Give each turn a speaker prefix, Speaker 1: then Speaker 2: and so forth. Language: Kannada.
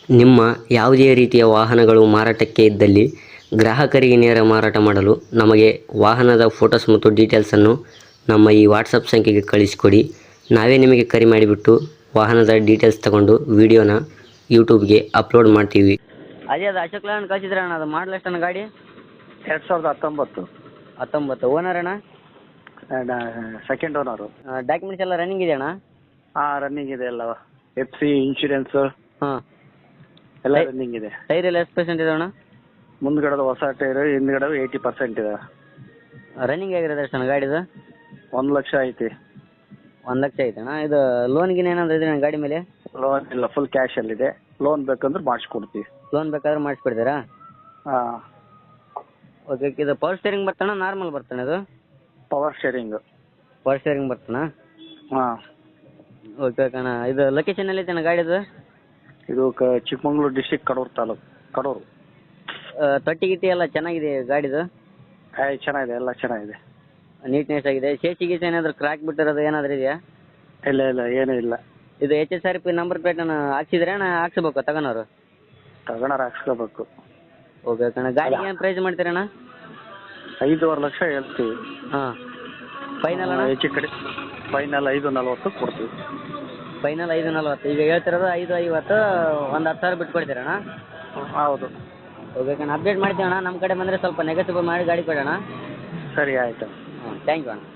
Speaker 1: ನಿಮ್ಮ ಯಾವುದೇ ರೀತಿಯ ವಾಹನಗಳು ಮಾರಾಟಕ್ಕೆ ಇದ್ದಲ್ಲಿ ಗ್ರಾಹಕರಿಗೆ ನೇರ ಮಾರಾಟ ಮಾಡಲು ನಮಗೆ ವಾಹನದ ಫೋಟೋಸ್ ಮತ್ತು ಡೀಟೇಲ್ಸನ್ನು ನಮ್ಮ ಈ ವಾಟ್ಸಪ್ ಸಂಖ್ಯೆಗೆ ಕಳಿಸಿಕೊಡಿ. ನಾವೇ ನಿಮಗೆ ಕರೆ ಮಾಡಿಬಿಟ್ಟು ವಾಹನದ ಡೀಟೇಲ್ಸ್ ತಗೊಂಡು ವಿಡಿಯೋನ ಯೂಟ್ಯೂಬ್ಗೆ ಅಪ್ಲೋಡ್ ಮಾಡ್ತೀವಿ. ಅದೇ ಅದು ಅಶೋಕ್ ಲೇಲ್ಯಾಂಡ್ ಕಳಿಸಿದ್ರೆ ಅಣ್ಣ, ಅದು ಮಾಡಲ್ ಎಷ್ಟಣ್ಣ ಗಾಡಿ?
Speaker 2: 2019.
Speaker 1: 19. ಓನರ್ ಅಣ್ಣ?
Speaker 2: Second owner.
Speaker 1: ಡಾಕ್ಯುಮೆಂಟ್ಸ್ ಎಲ್ಲ ರನ್ನಿಂಗ್ ಇದೆ ಅಣ್ಣ?
Speaker 2: ಹಾಂ, ರನ್ನಿಂಗ್ ಇದೆ ಎಲ್ಲ. FC ಇನ್ಶೂರೆನ್ಸ್
Speaker 1: ಹಾಂ,
Speaker 2: ಎಲ್ಲ ರನ್ನಿಂಗ್ ಇದೆ.
Speaker 1: ಟೈರ್ ಎಲ್ಲ ಎಷ್ಟು ಪರ್ಸೆಂಟ್ ಇದೆ ಅಣ್ಣ?
Speaker 2: ಮುಂದ್ಗಡೆ ಹೊಸ ಟೈರ್, ಹಿಂದ್ಗಡೆ 80% ಇದೆ.
Speaker 1: ರನ್ನಿಂಗ್ ಆಗಿರೋದು ಎಷ್ಟಣ್ಣ ಗಾಡಿದು?
Speaker 2: 1 ಲಕ್ಷ ಐತಿ.
Speaker 1: 1 ಲಕ್ಷ ಐತಣ್ಣ. ಇದು ಲೋನ್ಗಿನ ಏನಾದ್ರು ಇದೆ ಗಾಡಿ ಮೇಲೆ?
Speaker 2: ಲೋನ್ ಇಲ್ಲ, ಫುಲ್ ಕ್ಯಾಶಲ್ಲಿದೆ. ಲೋನ್ ಬೇಕಂದ್ರೆ ಮಾಡಿಸ್ಕೊಡ್ತೀವಿ.
Speaker 1: ಲೋನ್ ಬೇಕಾದ್ರೆ ಮಾಡಿಸ್ಕೊಡ್ತೀರಾ?
Speaker 2: ಹಾಂ.
Speaker 1: ಓಕೆ. ಇದು ಪವರ್ ಸ್ಟೇರಿಂಗ್ ಬರ್ತಾನ, ನಾರ್ಮಲ್ ಬರ್ತಾನೆ ಇದು?
Speaker 2: Power steering.
Speaker 1: ಪವರ್ ಸ್ಟೇರಿಂಗ್ ಬರ್ತಾನ?
Speaker 2: ಹಾಂ.
Speaker 1: ಓಕೆ ಓಕೆ ಅಣ್ಣ. ಇದು ಲೊಕೇಶನ್ ಎಲ್ಲಿ ಐತಣ್ಣ ಗಾಡಿದು?
Speaker 2: ಇದು ಚಿಕ್ಕಮಗಳೂರು ಡಿಸ್ಟಿಕ್, ಕಡೂರು ತಾಲೂಕು. ಕಡೂರು.
Speaker 1: ತೊಟ್ಟಿ ಗಿಟ್ಟಿ ಎಲ್ಲ ಚೆನ್ನಾಗಿದೆ ಗಾಡಿದು?
Speaker 2: ಚೆನ್ನಾಗಿದೆ, ಎಲ್ಲ ಚೆನ್ನಾಗಿದೆ.
Speaker 1: ನೀಟ್ನೆಸ್ ಆಗಿದೆ. ಸೇಸಿ ಗೀಸಿ ಏನಾದರೂ ಕ್ರಾಕ್ ಬಿಟ್ಟಿರೋದು ಏನಾದರೂ ಇದೆಯಾ?
Speaker 2: ಇಲ್ಲ ಇಲ್ಲ, ಏನೂ ಇಲ್ಲ.
Speaker 1: ಇದು HSRP ನಂಬರ್ ಪ್ಲೇಟನ್ನು ಹಾಕ್ಸಿದ್ರೆ ಅಣ್ಣ ಹಾಕ್ಸ್ಬೇಕು ತಗೋನವ್ರು?
Speaker 2: ತಗೊಂಡಾರ ಹಾಕ್ಸ್ಕೋಬೇಕು.
Speaker 1: ಓಕೆ ಓಕೆ ಅಣ್ಣ. ಗಾಡಿಗೆ ಏನು ಪ್ರೈಸ್ ಮಾಡ್ತೀರಣ್ಣ?
Speaker 2: 5.5 ಲಕ್ಷ ಹೇಳ್ತೀವಿ.
Speaker 1: ಹಾಂ. ಫೈನಲ್ ಅಣ್ಣ?
Speaker 2: ಹೆಚ್ಚು ಕಡೆ ಫೈನಲ್ 5.40 ಕೊಡ್ತೀವಿ.
Speaker 1: ಫೈನಲ್ 5.40. ಈಗ ಹೇಳ್ತಿರೋದು 5.50. ಒಂದು 10,000 ಬಿಟ್ಟು ಕೊಡ್ತೀರಣ್ಣ?
Speaker 2: ಹೌದು.
Speaker 1: ಓಕೆ ಓಕೆ ಅಣ್ಣ. ಅಪ್ಡೇಟ್ ಮಾಡ್ತೀವಿ ಅಣ್ಣ. ನಮ್ಮ ಕಡೆ ಬಂದರೆ ಸ್ವಲ್ಪ ನೆಗೆಟಿವ್ ಮಾಡಿ ಗಾಡಿ ಕೊಡೋಣ.
Speaker 2: ಸರಿ, ಆಯಿತು.
Speaker 1: ಹಾಂ, ಥ್ಯಾಂಕ್ ಯು ಅಣ್ಣ.